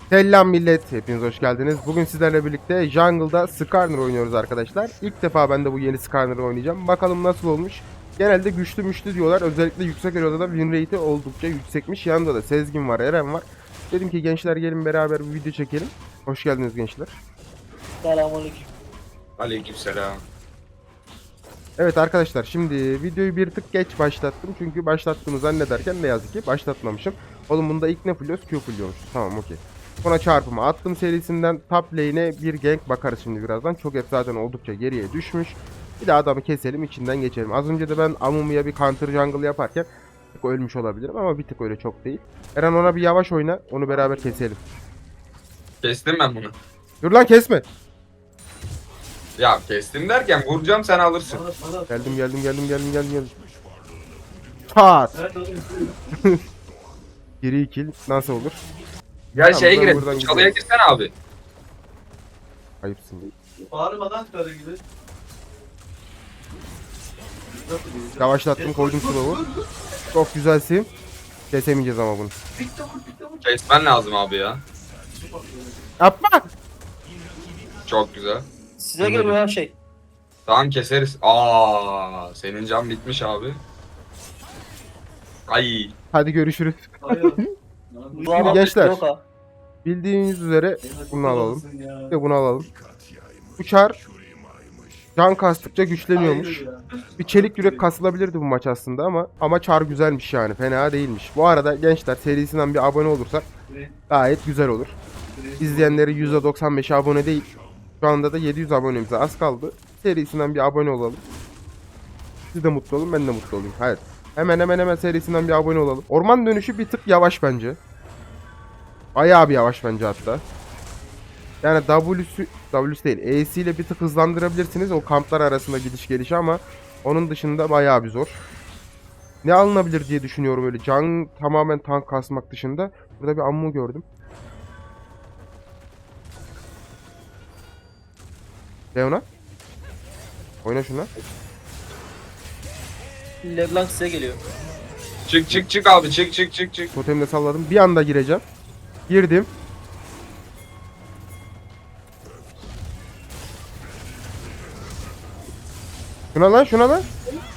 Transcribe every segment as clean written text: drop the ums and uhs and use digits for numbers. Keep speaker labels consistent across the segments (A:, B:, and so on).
A: Selam millet, hepiniz hoş geldiniz. Bugün sizlerle birlikte Jungle'da Skarner oynuyoruz arkadaşlar. İlk defa ben de bu yeni Skarner'ı oynayacağım. Bakalım nasıl olmuş. Genelde güçlü diyorlar. Özellikle yüksek eloda da win rate'i oldukça yüksekmiş. Yanında da Sezgin var, Eren var. Dedim ki gençler gelin beraber bir video çekelim. Hoş geldiniz gençler.
B: Selamünaleyküm.
C: Aleykümselam.
A: Evet arkadaşlar, şimdi videoyu bir tık geç başlattım. Çünkü başlattığımı zannederken ne yazık ki başlatmamışım. Oğlum bunda ilk ne fulluyoruz? Q fulluyormuş. Tamam, okey. Sonra çarpımı attım serisinden top lane'e bir gank bakarız şimdi birazdan. Çok hep zaten oldukça geriye düşmüş. Bir de adamı keselim, içinden geçelim. Az önce de ben Amumu'ya bir counter jungle yaparken bir tık ölmüş olabilirim ama bir tık öyle çok değil. Eren ona bir yavaş oyna, onu beraber keselim.
C: Kestim ben bunu.
A: Dur lan, kesme.
C: Ya kestim derken vuracağım sen alırsın.
A: Geldim. Çat. Geri kill nasıl olur?
C: Ya
A: Tamam,
C: şeye
A: buradan
C: girelim. Çalıya
A: gidelim.
C: girsene abi.
A: Ayıpsın.
B: Bağırmadan karı gibi.
A: Yavaşlattım, koydum slow'u. Çok güzelsin. Kesemeyeceğiz ama bunu.
C: Kesmen lazım abi ya.
A: Yapma.
C: Çok güzel.
B: Size göre her şey.
C: Tamam keseriz. Aa, senin can bitmiş abi. Ay.
A: Hadi görüşürüz.
B: Şimdi
A: gençler. Bildiğiniz üzere bunu alalım. Bir de bunu alalım. Bu çar can kastıkça güçleniyormuş. Bir çelik yürek kasılabilirdi bu maç aslında ama çar güzelmiş yani. Fena değilmiş. Bu arada gençler, serisinden bir abone olursak gayet güzel olur. İzleyenleri %95 abone değil. Şu anda da 700 abonemize az kaldı. Serisinden bir abone olalım. Siz de mutlu olun, ben de mutlu olayım. Hayır. Hemen serisinden bir abone olalım. Orman dönüşü bir tık yavaş bence. Bayağı bir yavaş bence hatta. Yani W'su değil, E'si ile bir tık hızlandırabilirsiniz o kamplar arasında gidiş gelişi ama onun dışında bayağı bir zor. Ne alınabilir diye düşünüyorum öyle can tamamen tank kasmak dışında. Burada bir ammu gördüm. Leona. Oyna şuna.
B: Leblanc size geliyor.
C: Çık abi çık.
A: Totemle salladım. Bir anda gireceğim. Girdim. Şuna lan.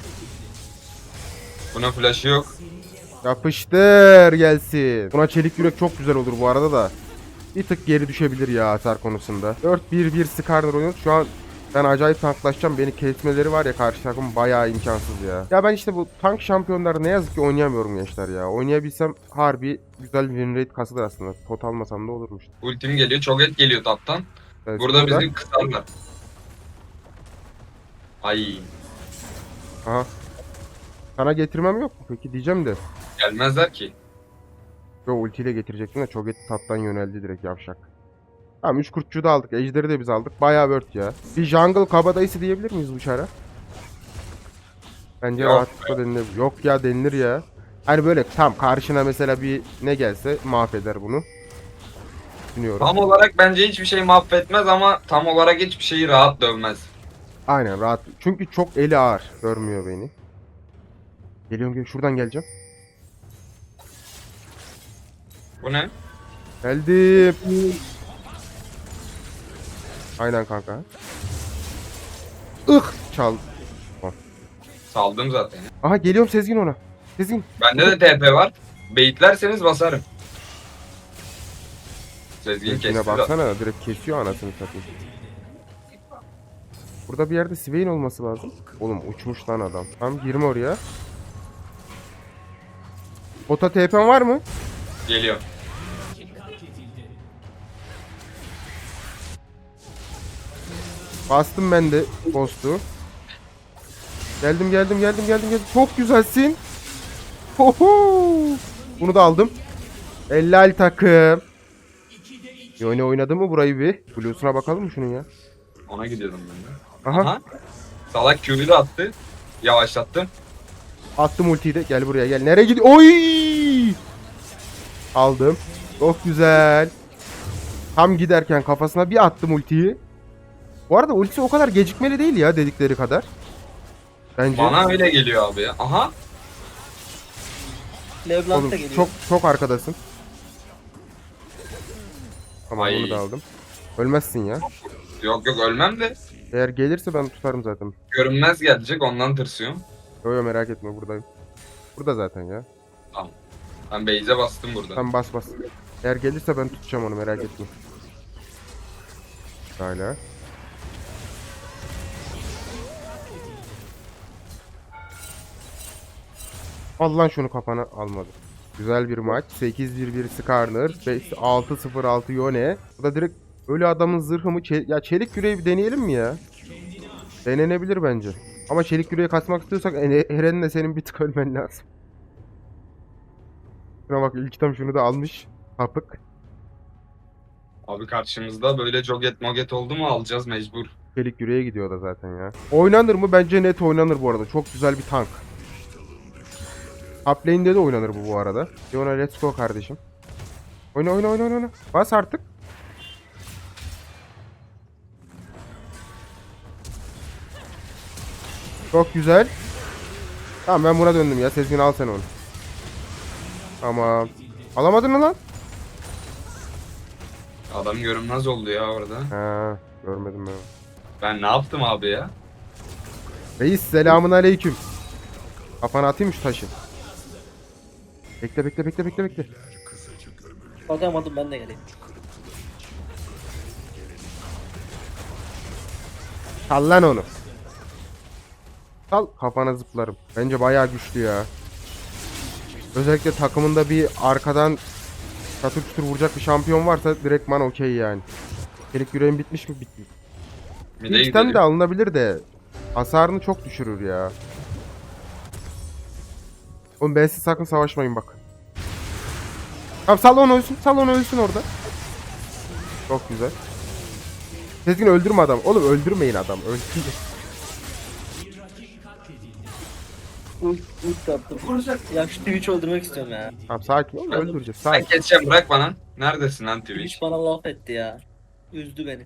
C: Buna flash'ı yok.
A: Yapıştır gelsin. Buna çelik yürek çok güzel olur bu arada da. Bir tık geri düşebilir ya hasar konusunda. 4-1-1 Skarner oynuyoruz. Şu an ben acayip tanklaşacağım. Beni kesmeleri var ya, karşı takım bayağı imkansız ya. Ya ben işte bu tank şampiyonları ne yazık ki oynayamıyorum gençler ya. Oynayabilsem harbi güzel bir win rate kasılır aslında. Pot almasam da olurmuş.
C: Ultim geliyor. Çok et geliyor taptan.
A: Evet,
C: Burada bizi kısarlar. Ay.
A: Aha. Sana getirmem yok mu peki diyeceğim de.
C: Gelmezler ki.
A: Yo, ultiyle getirecektim de çok et taptan yöneldi direkt yavşak. Tamam, 3 kurtçuyu da aldık. Ejderi de biz aldık. Bayağı word ya. Bir jungle kabadayısı diyebilir miyiz bu çara? Bence
C: Yok
A: rahatlıkla denilir. Yok ya, denilir ya. Hani böyle tam karşına mesela bir ne gelse mahveder bunu. Düşünüyorum.
C: Tam olarak bence hiçbir şey mahvetmez ama tam olarak hiçbir şeyi rahat dövmez.
A: Aynen, rahat. Çünkü çok eli ağır. Görmüyor beni. Geliyorum. Şuradan geleceğim.
C: Bu ne?
A: Geldim. Aynen kanka. Çal.
C: Saldım zaten.
A: Aha, geliyorum Sezgin ona. Sezgin.
C: Bende de TP var. Baitlerseniz basarım. Sezgin
A: Sezgin'e
C: kesti.
A: baksana, direkt kesiyor anasını satayım. Burada bir yerde Swain olması lazım. Oğlum uçmuş lan adam. Tamam, girme oraya. Bota TP'm var mı?
C: Geliyor.
A: Bastım ben de Ghost'u. Geldim. Çok güzelsin. Hoho! Bunu da aldım. Ellal takım. Yone oynadı mı burayı bir? Blues'una bakalım mı şunun ya?
C: Ona gidiyordum ben de.
A: Aha.
C: Aha. Salak Q'yu da attı. Yavaşlattım.
A: Attım ultiyi de. Gel buraya gel. Nereye gidiyor? Oy! Aldım. Çok güzel. Tam giderken kafasına bir attım ultiyi. Bu arada ultisi o kadar gecikmeli değil ya dedikleri kadar. Bence.
C: Bana öyle geliyor abi ya. Aha.
B: Leblanc
A: Oğlum
B: da geliyor.
A: çok arkadasın. Tamam
C: Ay.
A: bunu da aldım. Ölmezsin ya.
C: Yok yok ölmem de.
A: Eğer gelirse ben tutarım zaten.
C: Görünmez gelecek ondan tırsıyorum.
A: Yo yo merak etme buradayım. Burada zaten ya.
C: Ben base'e bastım burada.
A: Sen bas bas. Eğer gelirse ben tutacağım onu merak etme. Hala. Al lan şunu kafana almadı. Güzel bir maç. 8-1-1 Skarner. 6-0-6 Yone. Bu da direkt ölü adamın zırhı mı? Ya çelik yüreği bir deneyelim mi ya? Denenebilir bence. Ama çelik yüreği kasmak istiyorsak Eren'le senin bir tık ölmen lazım. Şuna bak ilk tam şunu da almış. Sapık.
C: Abi karşımızda böyle joget moget oldu mu alacağız mecbur.
A: Çelik yüreğe gidiyor da zaten ya. Oynanır mı? Bence net oynanır bu arada. Çok güzel bir tank. Top lane'de de oynanır bu arada. Yona let's go kardeşim. Oyna oyna oyna oyna. Bas artık. Çok güzel. Tamam ben buna döndüm ya. Sezgin al sen onu. Tamam. Alamadın mı lan?
C: Adam görünmez oldu ya orada.
A: Ha, görmedim ben.
C: Ben ne yaptım abi ya?
A: Reis selamun aleyküm. Kafana atayım şu taşı. Bekle bekle bekle bekle bekle.
B: Bakamadım ben de geleyim.
A: Sal lan onu. Sal kafana zıplarım. Bence bayağı güçlü ya. Özellikle takımında bir arkadan çatır çutur vuracak bir şampiyon varsa direktman okey yani. Çelik yüreğin bitmiş mi? Bitmiş.
C: Mide
A: İlkten de
C: gidelim.
A: alınabilir de hasarını çok düşürür ya. Oğlum ben siz sakın savaşmayın bak. Tamam sal onu ölsün. Sal onu ölsün orada. Çok güzel. Sezgin öldürme adam. Oğlum öldürmeyin adam. Öldürmeyin.
B: Ult attım. Ya şu Twitch öldürmek istiyorum ya.
A: Tamam sakin ol öldüreceğiz.
C: Ben
A: Sakin.
C: geçeceğim bırak bana. Neredesin lan Twitch?
B: Twitch bana laf etti ya. Üzdü beni.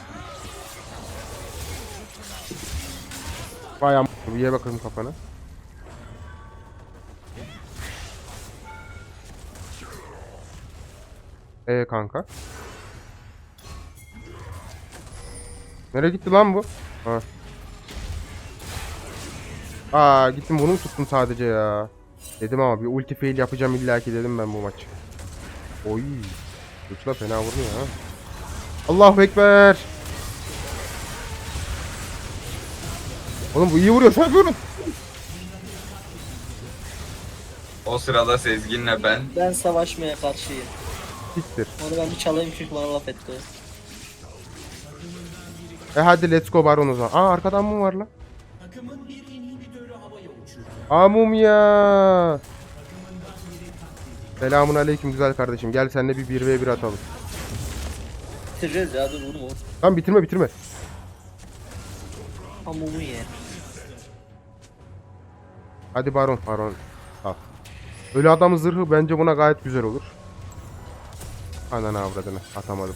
A: Bayağı bir ye bakalım kafana. Kanka. Nereye gitti lan bu? Ha. Aa gittim bunu mu tuttum sadece ya. Dedim ama bir ulti fail yapacağım illaki dedim ben bu maç. Oy. Uçla fena vurmuyor ha. Allahu Ekber. Oğlum bu iyi vuruyor sen vurun.
C: O sırada Sezgin'le ben.
B: Ben savaşmaya karşıyım.
A: Siktir.
B: Onu ben bir çalayım çünkü bana laf etti.
A: Hadi let's go Baron o zaman. Aa arkadan mı var lan? Amum ya. Selamun aleyküm güzel kardeşim. Gel seninle bir 1v1 atalım.
B: Bitireceğiz ya dur vurma.
A: Tamam bitirme bitirme.
B: Hamumu ye.
A: Hadi Baron. Baron. Al. Ölü adamın zırhı bence buna gayet güzel olur. Ananı avradını atamadım.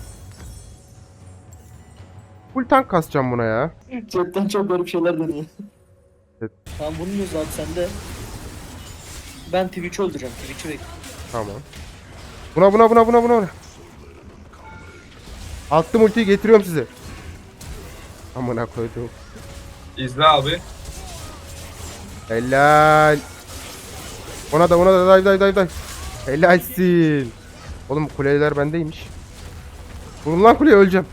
A: Full tank kasacağım buna ya.
B: Chatten çok garip şeyler deniyor.
A: Evet.
B: Tamam bunun yüzü abi sende. Ben Twitch'i öldüreceğim. Twitch'i bekle.
A: Tamam. Buna. Attım ultiyi getiriyorum size. Amına koydum.
C: İzle abi.
A: Helal. Ona da dive. Helalsin. Oğlum kuleler bendeymiş. Vurun lan kuleye öleceğim.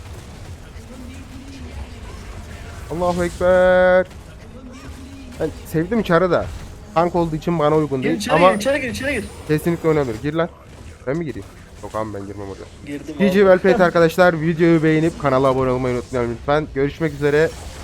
A: Allahu Ekber. Ben sevdim çarı da. Tank olduğu için bana uygun
B: Gir
A: değil
B: içeri
A: ama
B: gir içeri gir.
A: kesinlikle oynanır. Gir lan. Ben mi gireyim? Yok abi ben girmem oraya.
B: Girdim
A: GG Wellplayed arkadaşlar videoyu beğenip kanala abone olmayı unutmayın lütfen. Görüşmek üzere.